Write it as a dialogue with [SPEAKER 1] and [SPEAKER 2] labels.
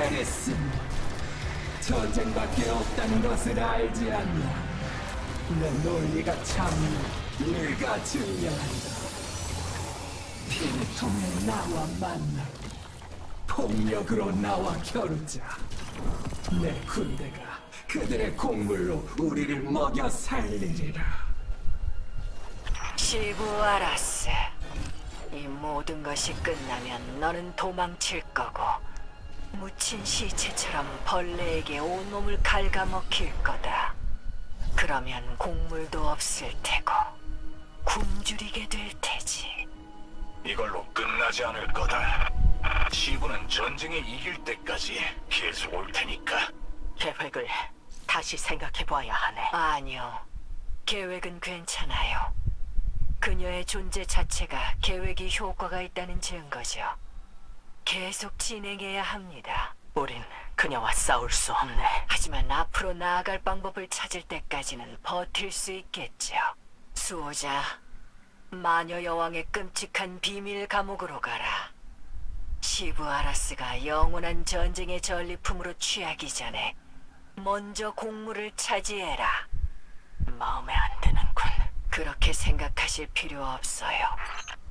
[SPEAKER 1] 베리스는 전쟁밖에 없다는 것을 알지 않나. 내 논리가 참 네가 증명한다. 피를 통해 나와 만나 폭력으로 나와 겨루자. 내 군대가 그들의 곡물로 우리를 먹여 살리리라.
[SPEAKER 2] 시부 알았어. 이 모든 것이 끝나면 너는 도망칠 거고 묻힌 시체처럼 벌레에게 온몸을 갉아먹힐 거다. 그러면 곡물도 없을 테고 굶주리게 될 테지.
[SPEAKER 3] 이걸로 끝나지 않을 거다. 시부는 전쟁에 이길 때까지 계속 올 테니까.
[SPEAKER 2] 계획을 다시 생각해봐야 하네. 아니요. 계획은 괜찮아요. 그녀의 존재 자체가 계획이 효과가 있다는 증거죠. 계속 진행해야 합니다. 우린 그녀와 싸울 수 없네. 하지만 앞으로 나아갈 방법을 찾을 때까지는 버틸 수 있겠죠. 수호자, 마녀 여왕의 끔찍한 비밀 감옥으로 가라. 시부 아라스가 영원한 전쟁의 전리품으로 취하기 전에 먼저 곡물을 차지해라. 마음에 안 드는군. 그렇게 생각하실 필요 없어요.